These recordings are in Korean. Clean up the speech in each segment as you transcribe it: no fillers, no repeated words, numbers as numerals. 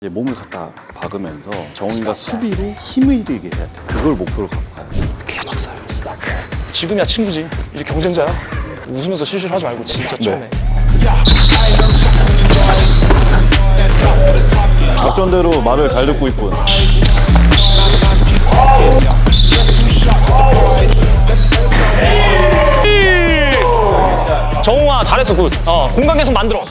이제 몸을 갖다 박으면서 정훈이가 수비로 힘을 들게 해야 돼. 그걸 목표로 갖고 가야 돼. 개박살. 지금이야 친구지. 이제 경쟁자야. 웃으면서 실수를 하지 말고 진짜 처음에. 작전대로 말을 잘 듣고 있군. 정웅아 잘했어 굿. 공간 계속 만들어.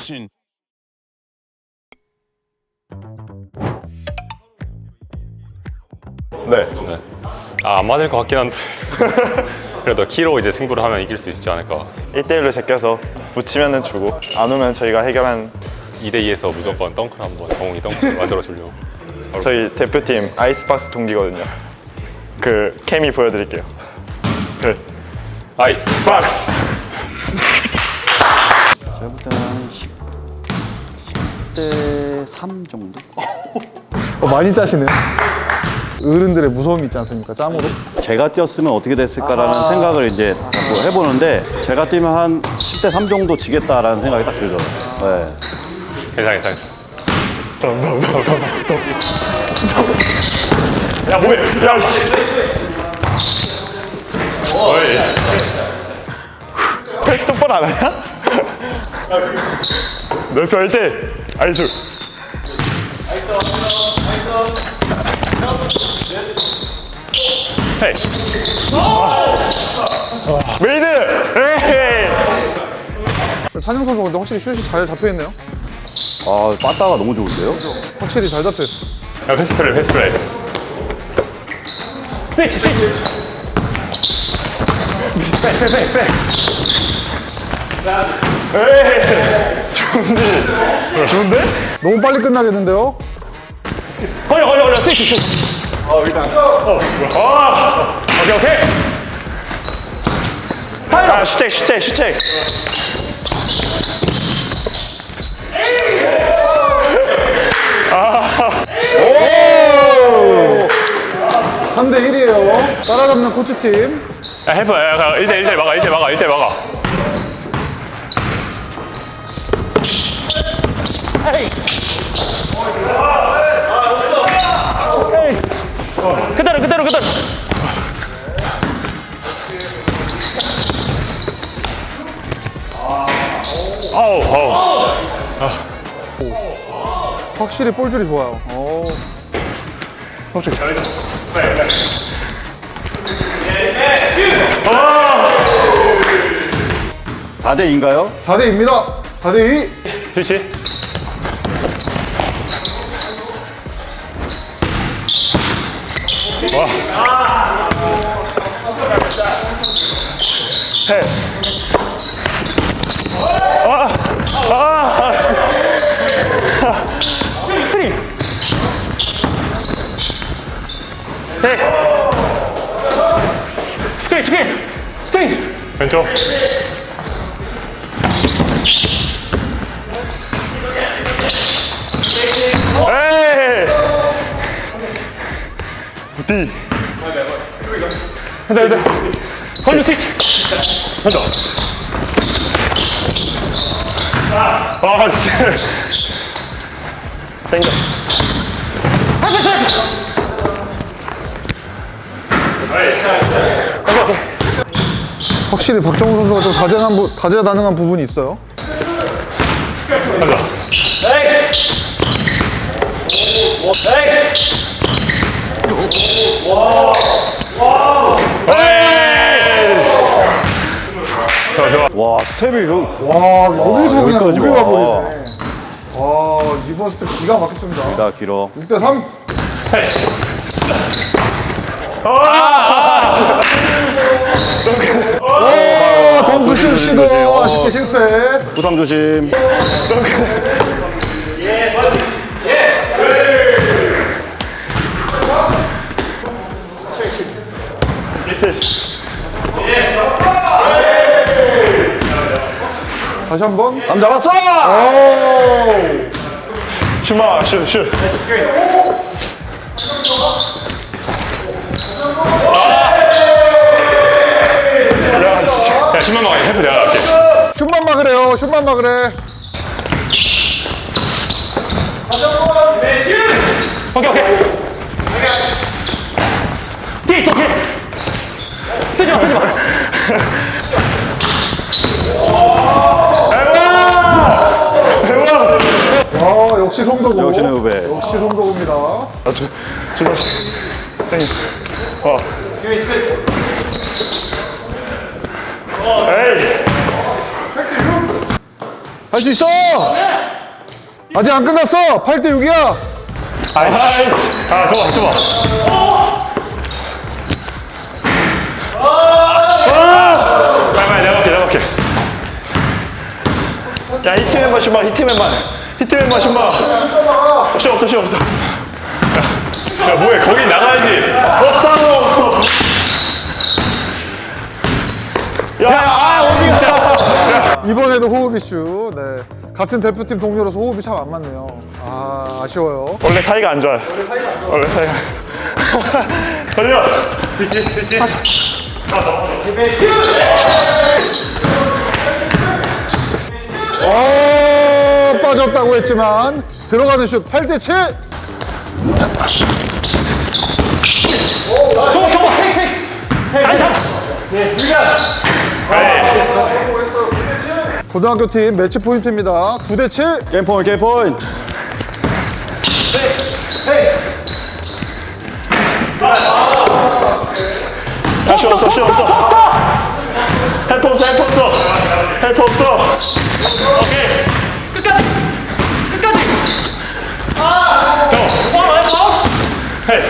네. 안 맞을 것 같긴 한데 그래도 키로 이제 승부를 하면 이길 수 있지 않을까. 1대1로 제껴서 붙이면은 주고 안 오면 저희가 해결한 2대2에서 무조건 덩크를 한번 정웅이 덩크를 만들어 주려고. 저희 대표팀 아이스박스 동기거든요. 그 케미 보여드릴게요. 그 아이스 박스. 제가 볼 때는 한 10대 3 정도? 많이 짜시네요. 어른들의 무서움이 있지 않습니까? 짬으로. 제가 뛰었으면 어떻게 됐을까라는 생각을 이제 자꾸 해보는데 제가 뛰면 한 10대 3 정도 지겠다라는 생각이 딱 들더라고요. 네. 괜찮아. 야 뭐해? 야 씨. 패스 똑바로 안 하냐? 넓혀 할 때 아이스. 헤이. 메이드. 에이. 찬영 선수가 근데 확실히 슛이 잘 잡혀있네요. 아, 빠따가 너무 좋은데요? 확실히 잘 잡혀있어. 야, 패스 플레이. 스위치. 좋은데? 너무 빨리 끝나겠는데요? 걸려. 스위치. 오케이. 아 슈책. 3대1이에요. 따라잡는 코치팀. 야, 헬프. 1대1 막아. 1대1 막아. 그대로. 아우. 확실히 볼줄이 좋아요. 오. 4대2인가요? 4대2입니다. 4대2. 스위치. 스크린. 왼쪽. 에이. 부디. 된다. 걸려 스위치. 왼쪽. 아 진짜. 땡겨. 확실히 박정우 선수가 좀 다재다능한 부분이 있어요. 와, 스텝이 와, 여기서 그냥 여기까지 여기가 와. 버리네. 와, 이번 스텝 기가 막혔습니다. 나 길어. 6대3. 덩크슛 시도 아쉽게 실패. 부상 조심. 다시 한번. 감 잡았어! 오! 슈마 슈. 야, 슛만 막아. 헬프 내가 할게. 슛만 막으래요. 슛만 막으래. 오케이 오케이. 뒤에 있어 뒤에. 뜨지 마 뜨지 마. 역시 송도구. 역시는 후배. 역시 송도구입니다. 저 다시. 형님. 에이. 할 수 있어! 아직 안 끝났어! 8대 6이야! 아이씨. 아, 좋아. 빨리 내가 볼게. 야, 히트맨만 슛봐, 히트맨만 슛봐. 슛 없어. 야, 뭐해, 거기 나가야지. 없다고. 이번에도 호흡 이슈. 네. 같은 대표팀 동료로서 호흡이 참 안 맞네요. 아, 아쉬워요. 원래 사이가 안 좋아요. 원래 사이가. 돌려. 빠졌다고 했지만 들어가는 슛 8대 7. 저거 안 잡아. 고등학교 팀 매치 포인트입니다. 9대 7. 게임 포인트. 슛 없어. 헬프 없어. 오케이. 끝까지. 헤이.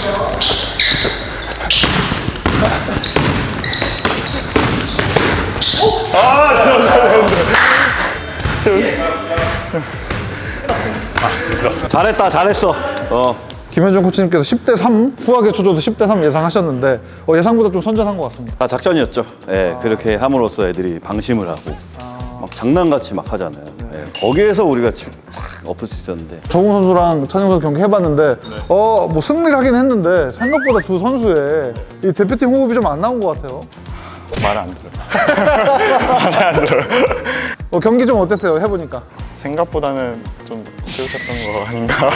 잘했어. 김현준 코치님께서 10대 3 후하게 쳐줘도 10대 3 예상하셨는데 예상보다 좀 선전한 것 같습니다. 다 작전이었죠. 예, 그렇게 함으로써 애들이 방심을 하고 막 장난같이 막 하잖아요. 예, 거기에서 우리가 쫙 엎을 수 있었는데 정우 선수랑 찬영 선수 경기 해봤는데 뭐 승리를 하긴 했는데 생각보다 두 선수의 이 대표팀 호흡이 좀 안 나온 것 같아요. 말 안 들어요. 경기 좀 어땠어요? 해보니까. 생각보다는 좀 쉬우셨던 거 아닌가.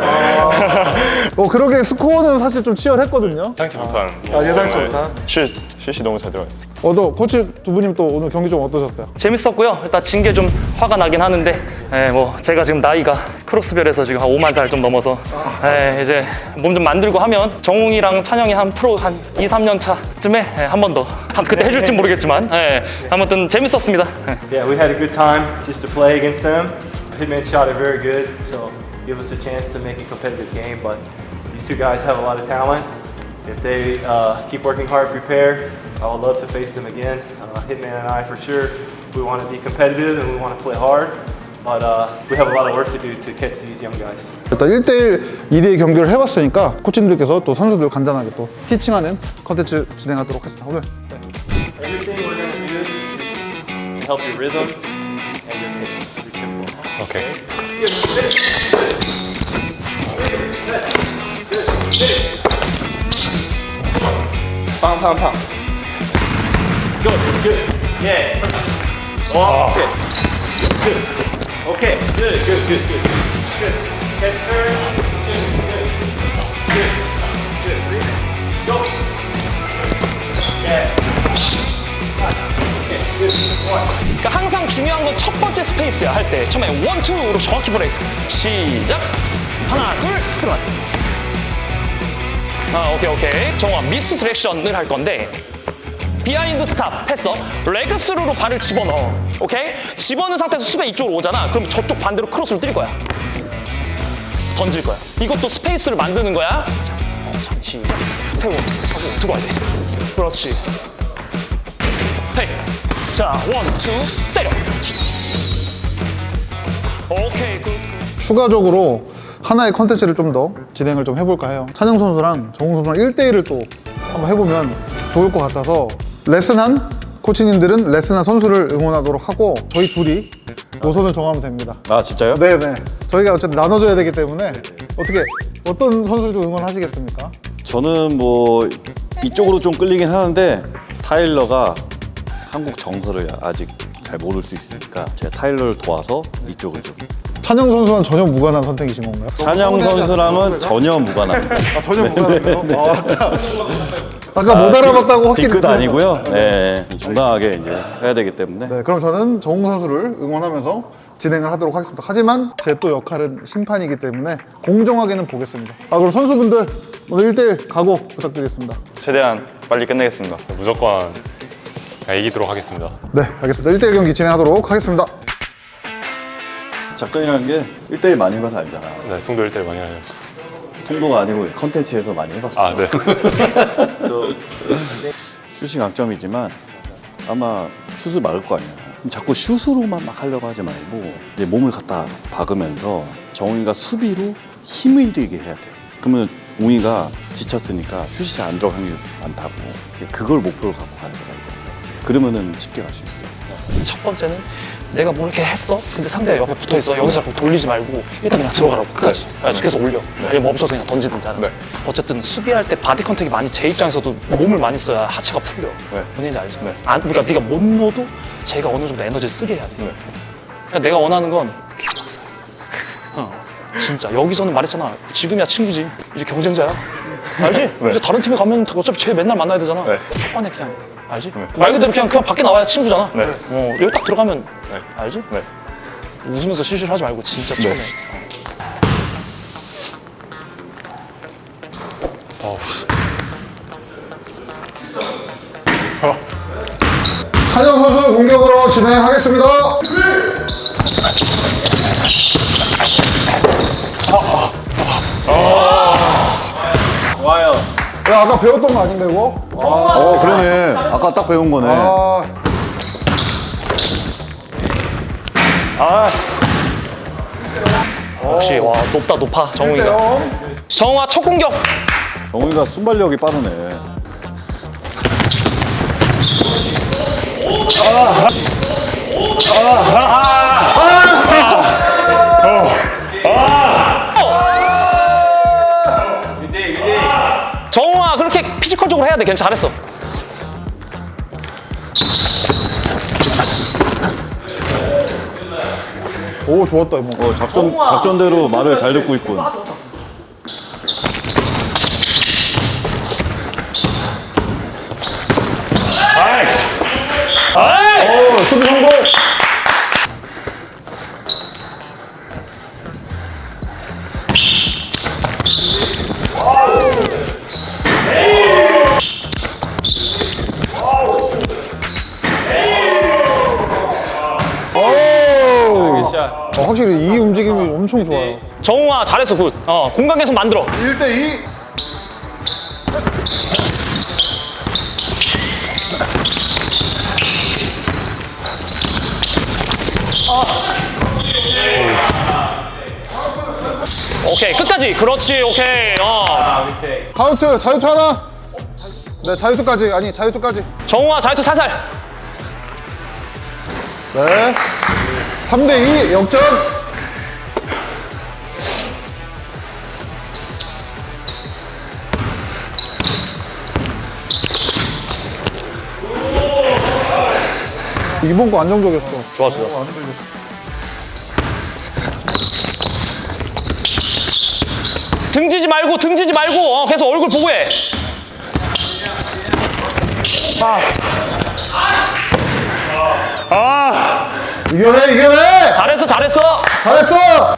그러게 스코어는 사실 좀 치열했거든요. 예상치 못한. 예상치 못한. 슛이 너무 잘 들어갔어. 또 코치 두 분님 또 오늘 경기 좀 어떠셨어요? 재밌었고요. 일단 진 게 좀 화가 나긴 하는데, 뭐 제가 지금 나이가 크로스별에서 지금 한 5만 살 좀 넘어서, 이제 몸 좀 만들고 하면 정웅이랑 찬영이 한 프로 한 2, 3년 차쯤에 한 번 더. 그때 해줄지 모르겠지만, 아무튼 재밌었습니다. Yeah, we had a good time just to play against them. Hitman shot it very good, so give us a chance to make a competitive game. But these two guys have a lot of talent. If they keep working hard, prepare, I would love to face them again. Hitman and I, for sure, we want to be competitive and we want to play hard. But we have a lot of work to do to catch these young guys. 일단 1대1, 2대2 경기를 해봤으니까 코치님들께서 또 선수들 간단하게 또 티칭하는 컨텐츠 진행하도록 하겠습니다. 오늘 Everything we're going to do is to help your rhythm and your pace, your tempo. 오케이. Pound, pound, pound. Good, good. Yeah. Oh, okay. Good. Okay. Good, good, good, good. Good. Catch turn. Good, good. Good. Good. Breathe. Go. Yeah. Okay. Good. One. 그러니까 항상 중요한 건 첫 번째 스페이스야. 할 때 처음에 1, 2로 정확히 브레이크. 시작. 하나, 둘, 들어가. 오케이. 정확 미스 디렉션을 할 건데 비하인드 스탑 했어. 레그 스루로 발을 집어넣어. 오케이? 집어넣은 상태에서 수비 이쪽으로 오잖아. 그럼 저쪽 반대로 크로스를 때릴 거야. 던질 거야. 이것도 스페이스를 만드는 거야. 자, 시작. 세워. 하고 들어와야 돼. 그렇지. 헤이. 자, 1, 2, 때려. 오케이, 굿. 추가적으로 하나의 컨텐츠를 좀 더 진행을 좀 해볼까 해요. 찬영 선수랑 정우 선수랑 1대1을 또 한번 해보면 좋을 것 같아서 레슨한 코치님들은 레슨한 선수를 응원하도록 하고 저희 둘이 노선을 정하면 됩니다. 아 진짜요? 네네. 저희가 어쨌든 나눠줘야 되기 때문에 어떤 선수를 좀 응원하시겠습니까? 저는 뭐 이쪽으로 좀 끌리긴 하는데 타일러가 한국 정서를 아직 잘 모를 수 있으니까 제가 타일러를 도와서 이쪽을 좀 찬영 선수와는 전혀 무관한 선택이신 건가요? 찬영 선수랑은 전혀 무관합니다. 아, 전혀 무관한가요? 아까 못 알아봤다고 확실히. 뒤끝 아니고요. 네, 정당하게 이제 해야 되기 때문에. 네, 그럼 저는 정웅 선수를 응원하면서 진행을 하도록 하겠습니다. 하지만 제 또 역할은 심판이기 때문에 공정하게는 보겠습니다. 그럼 선수분들 오늘 1대1 각오 부탁드리겠습니다. 최대한 빨리 끝내겠습니다. 무조건 이기도록 하겠습니다. 네, 알겠습니다. 1대1 경기 진행하도록 하겠습니다. 작전이라는 게 1대1 많이 해봐서 알잖아. 네, 승도 1대1 많이 하셨어. 송도가 아니고 컨텐츠에서 많이 해봤어. 아, 네. 슛이 강점이지만 아마 슛을 막을 거 아니야. 그럼 자꾸 슛으로만 막 하려고 하지 말고 이제 몸을 갖다 박으면서 정웅이가 수비로 힘을 들게 해야 돼. 그러면 웅이가 지쳤으니까 슛이 잘 안 들어갈 확률이 많다고. 그걸 목표로 갖고 가야 돼. 그러면은 쉽게 갈 수 있어. 첫 번째는 내가 뭐 이렇게 했어? 근데 상대가 옆에 붙어 있어. 여기서 자꾸 돌리지 말고 일단 그냥 들어가라고 끝까지. 계속 올려. 아니면 멈춰서 그냥 던지든지 하든지. 어쨌든 수비할 때 바디 컨택이 많이 제 입장에서도 몸을 많이 써야 하체가 풀려. 뭔 얘기인지 알지? 그러니까 네가 못 넣어도 제가 어느 정도 에너지를 쓰게 해야 돼. 그러니까 내가 원하는 건 킥박스. 진짜 여기서는 말했잖아. 지금이야 친구지. 이제 경쟁자야. 알지? 이제 다른 팀에 가면 어차피 쟤 맨날 만나야 되잖아. 초반에 그냥 알지? 말 그대로 그냥 밖에 나와야 친구잖아. 여기 딱 들어가면 알지? 웃으면서 실수를 하지 말고 진짜 처음에. 찬영 선수 공격으로 진행하겠습니다. 야, 아까 배웠던 거 아닌가 이거? 그러네. 아까 딱 배운 거네. 역시 와 높다 높아 정웅이가. 정웅아 첫 공격. 정웅이가 순발력이 빠르네. 정웅아 그렇게 피지컬적으로 해야 돼. 괜찮아 잘했어. 오, 좋았다 이거. 작전대로 말을 잘 듣고 있군. 수비 성공. 확실히 이 움직임이 엄청 좋아요. 정웅아 잘했어 굿. 공간 계속 만들어. 1대2. 오케이 끝까지. 그렇지 오케이. 자유투, 자유투 하나. 네, 자유투까지. 아니, 자유투까지. 정웅아 자유투 살살. 네. 3대2 역전. 이번 거 안정적이었어. 좋았어 좋았어. 등지지 말고 계속 얼굴 보고 해. 이겨내, 이겨내. 잘했어 잘했어.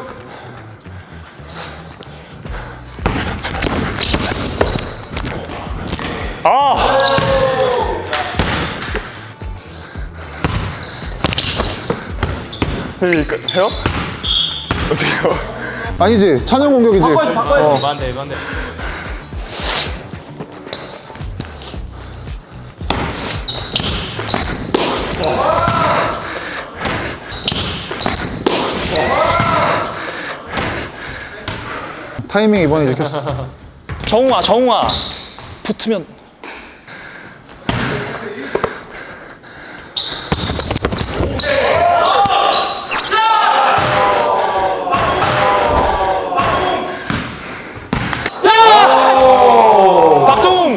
해요? 어떻게 해요? 아니지, 찬영 공격이지. 타이밍 이번에 읽혔어. 정웅아 붙으면 박정웅.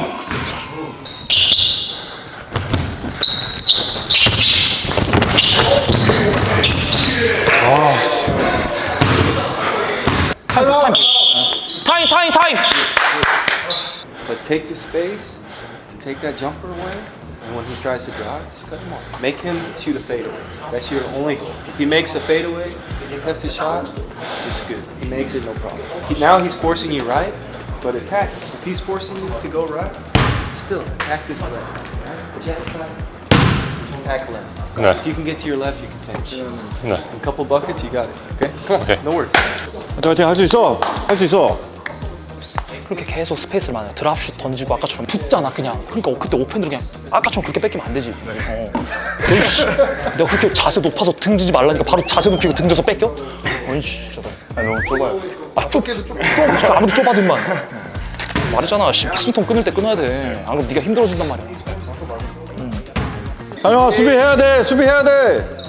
타임. But take the space to take that jumper away, and when he tries to drive, just cut him off. Make him shoot a fadeaway. That's your only goal. If he makes a fadeaway, test his shot, it's good. He makes it, no problem. Now he's forcing you right, but attack. If he's forcing you to go right, still attack this left. Right? Jet back, attack left. 네. If you can get to your left, you can finish. 네. A couple buckets, you got it. Okay? Come on. Okay. No worries. 화이팅, 할 수 있어. 할 수 있어. 그렇게 계속 스페이스를 많이 드랍슛 던지고 아까처럼 붙잖아 그냥. 그러니까 그때 오펜으로 그냥 아까처럼 그렇게 뺏기면 안 되지. 어이씨, 내가 그렇게 자세 높아서 등지지 말라니까 바로 자세 높이고 등져서 뺏겨? 어이씨, 저거. 아니, 너무 좁아요. 아무리 좁아도 임만. 말했잖아, 숨통 끊을 때 끊어야 돼. 안 그러면 네가 힘들어진단 말이야. 찬영아, 수비해야 돼. 수비해야 돼.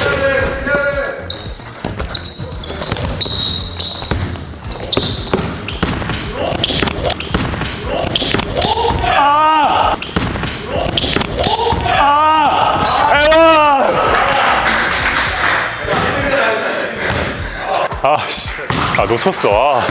아씨, 놓쳤어.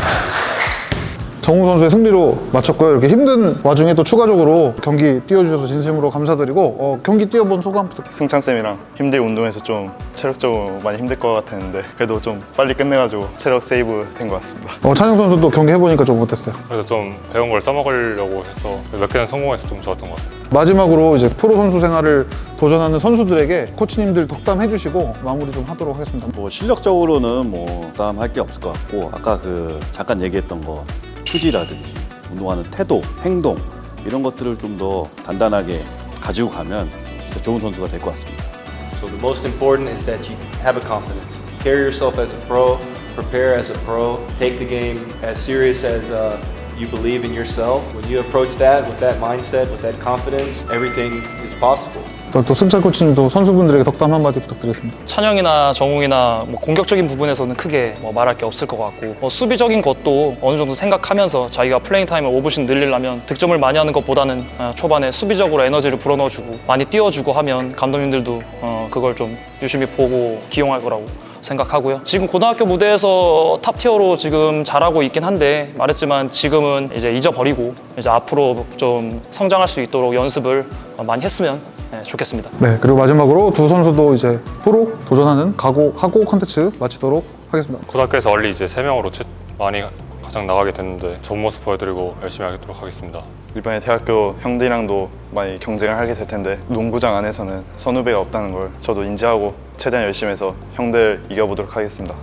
정우 선수의 승리로 마쳤고요. 이렇게 힘든 와중에 또 추가적으로 경기 뛰어주셔서 진심으로 감사드리고 경기 뛰어본 소감 부탁드립니다. 승찬쌤이랑 힘들게 운동해서 좀 체력적으로 많이 힘들 것 같았는데 그래도 좀 빨리 끝내가지고 체력 세이브 된 것 같습니다. 찬영 선수도 경기 해보니까 좀 어땠어요? 그래서 좀 배운 걸 써먹으려고 해서 몇 개는 성공해서 좀 좋았던 것 같습니다. 마지막으로 이제 프로 선수 생활을 도전하는 선수들에게 코치님들 덕담 해주시고 마무리 좀 하도록 하겠습니다. 뭐 실력적으로는 뭐 부담할 게 없을 것 같고 아까 그 잠깐 얘기했던 거 투지라든지 운동하는 태도, 행동 이런 것들을 좀 더 단단하게 가지고 가면 진짜 좋은 선수가 될 것 같습니다. So the most important is that you have a confidence. Carry yourself as a pro, prepare as a pro, take the game as serious as you believe in yourself. When you approach that with that mindset, with that confidence, everything is possible. 또 승찬 코치님도 선수분들에게 덕담 한마디 부탁드리겠습니다. 찬영이나 정웅이나 뭐 공격적인 부분에서는 크게 뭐 말할 게 없을 것 같고 뭐 수비적인 것도 어느 정도 생각하면서 자기가 플레잉 타임을 5분씩 늘리려면 득점을 많이 하는 것보다는 초반에 수비적으로 에너지를 불어넣어주고 많이 띄워주고 하면 감독님들도 그걸 좀 유심히 보고 기용할 거라고 생각하고요. 지금 고등학교 무대에서 탑티어로 지금 잘하고 있긴 한데 말했지만 지금은 이제 잊어버리고 이제 앞으로 좀 성장할 수 있도록 연습을 많이 했으면 좋겠습니다. 네, 그리고 마지막으로 두 선수도 이제 프로 도전하는 각오하고 컨텐츠 마치도록 하겠습니다. 고등학교에서 얼리 이제 3명으로 많이 가장 나가게 됐는데 좋은 모습 보여드리고 열심히 하도록 하겠습니다. 이번에 대학교 형들이랑도 많이 경쟁을 하게 될 텐데 농구장 안에서는 선후배가 없다는 걸 저도 인지하고 최대한 열심히 해서 형들 이겨보도록 하겠습니다.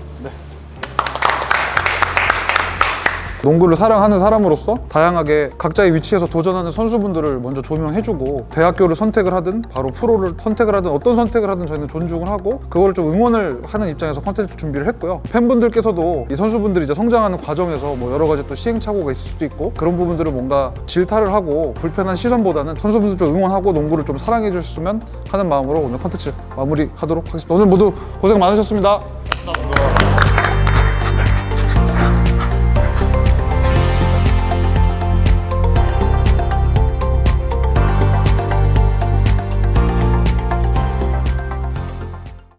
농구를 사랑하는 사람으로서 다양하게 각자의 위치에서 도전하는 선수분들을 먼저 조명해주고 대학교를 선택을 하든 바로 프로를 선택을 하든 어떤 선택을 하든 저희는 존중을 하고 그거를 좀 응원을 하는 입장에서 콘텐츠 준비를 했고요. 팬분들께서도 이 선수분들이 이제 성장하는 과정에서 뭐 여러 가지 또 시행착오가 있을 수도 있고 그런 부분들을 뭔가 질타를 하고 불편한 시선보다는 선수분들 좀 응원하고 농구를 좀 사랑해 주셨으면 하는 마음으로 오늘 콘텐츠 마무리하도록 하겠습니다. 오늘 모두 고생 많으셨습니다.